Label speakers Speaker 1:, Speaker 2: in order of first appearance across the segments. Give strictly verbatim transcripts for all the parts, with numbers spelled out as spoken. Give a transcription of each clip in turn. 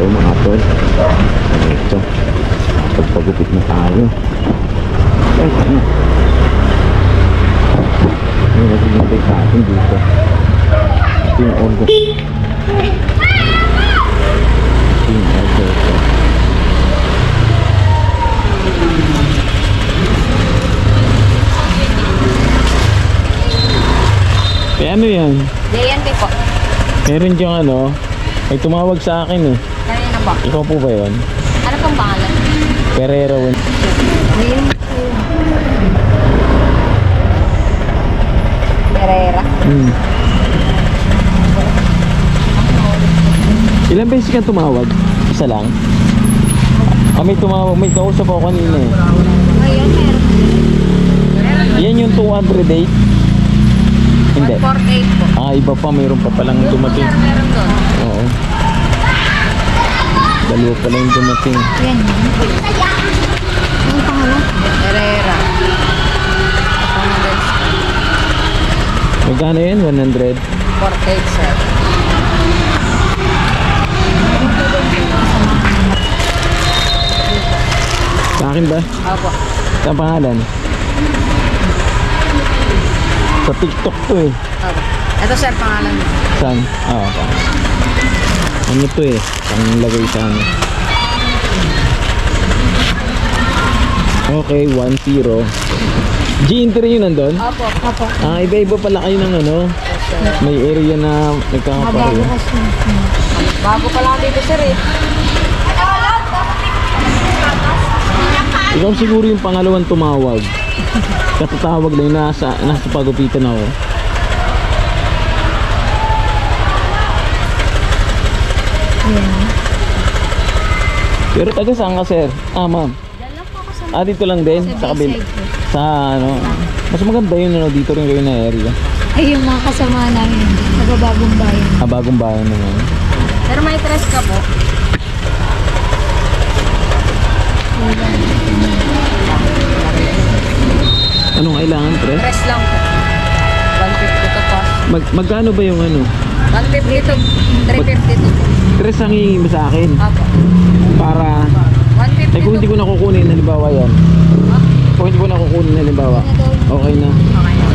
Speaker 1: mga tol. Ito. Pagpagupit na tayo. Ay, ano? May nagbibigay sa atin dito. Ito yung order. Ito yung order ko. Eh ano yan?
Speaker 2: Dayan po.
Speaker 1: Meron diyang ano, may tumawag sa akin eh.
Speaker 2: Kanina ba?
Speaker 1: Ikaw po ba yun?
Speaker 2: Ano pong pangalan?
Speaker 1: Pereira one.
Speaker 2: Dayan po. Pereira.
Speaker 1: Hmm. Ilang beses ka tumawag? Isa lang? Ah, may tumawag, may kausap ako kanina eh.
Speaker 2: Ngayon meron.
Speaker 1: Yan yung two hundred eight? Hindi.
Speaker 2: one forty-eight po.
Speaker 1: Ah, iba pa, mayroon pa palang dumating.
Speaker 2: Sir, meron doon.
Speaker 1: Oo. Dalawa pala yung dumating.
Speaker 2: Yan yun. Anong pangalan? Pereira.
Speaker 1: Magkano yun? one hundred?
Speaker 2: forty-eight sir.
Speaker 1: Sa akin ba?
Speaker 2: Opo.
Speaker 1: Sa pangalan? Sa TikTok to eh.
Speaker 2: Opo. Ito sir pangalan mo.
Speaker 1: Saan? Ah, okay. Ano to eh? Ang lagay sa ano. Okay, one zero. G-entry yun nandun?
Speaker 2: Opo. Opo.
Speaker 1: Ah, iba-iba pala kayo ng ano. May area na nagkakapareho.
Speaker 2: Bago pa lang dito sir eh.
Speaker 1: Ikaw siguro yung pangalawang tumawag. Katatawag lang, nasa, nasa pagupitan ako. Pero taga saan ka sir? Ah ma'am.
Speaker 2: Diyan lang po ako sa
Speaker 1: Ah dito lang din? Sa kabila? Sa ano? Mas maganda yun ano, dito rin kayo na area.
Speaker 2: ay yung mga kasama namin. Nagabagong bayan.
Speaker 1: Ah bagong bayan naman.
Speaker 2: Pero may tres ka po.
Speaker 1: Anong kailangan pre?
Speaker 2: Tres lang po. one fifty to po.
Speaker 1: Mag magkano ba yung ano?
Speaker 2: one fifty to three fifty to po.
Speaker 1: Tres ang hihingi mo sa akin.
Speaker 2: Apo.
Speaker 1: Para
Speaker 2: one fifty
Speaker 1: eh kung hindi ko nakukunin halimbawa yan.
Speaker 2: Ha?
Speaker 1: Kung hindi ko nakukunin halimbawa. Okay na.
Speaker 2: Okay na.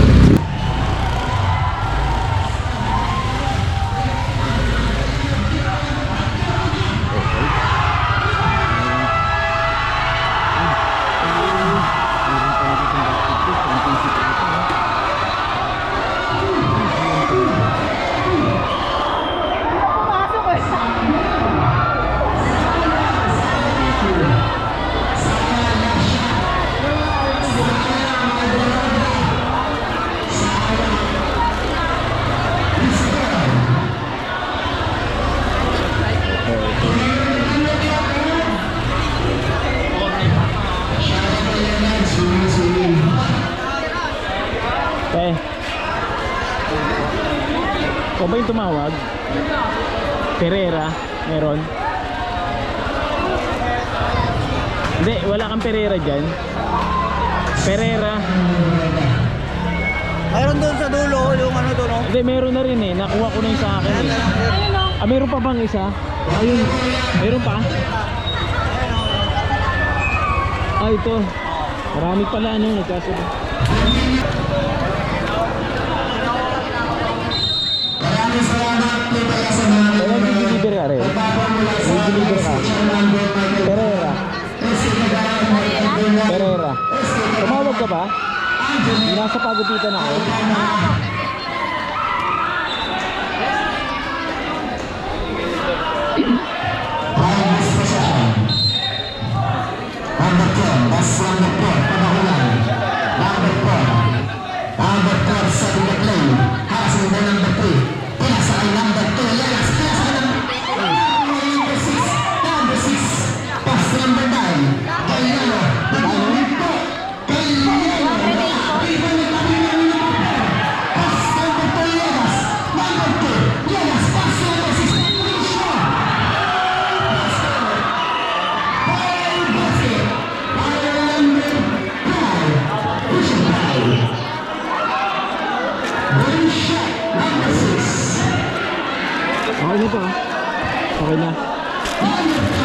Speaker 1: Eh. Ikaw ba yung tumawag? Pereira? Meron? Hindi, wala kang Pereira dyan. Pereira.
Speaker 3: Mayroon doon sa dulo, yung ano doon, no?
Speaker 1: Hindi, meron na rin eh. Nakuha ko na yung sa akin eh. Ah, meron pa bang isa? Ayun. Meron pa? Ah, ito. Marami pala ano. Nagkasunod. Kaya nag-deliver ka rin? Nag-deliver ka? Pereira. Pereira. Tumawag ka ba? Nasa pagupitan ako. Okay na to ah. Okay na. Ayan.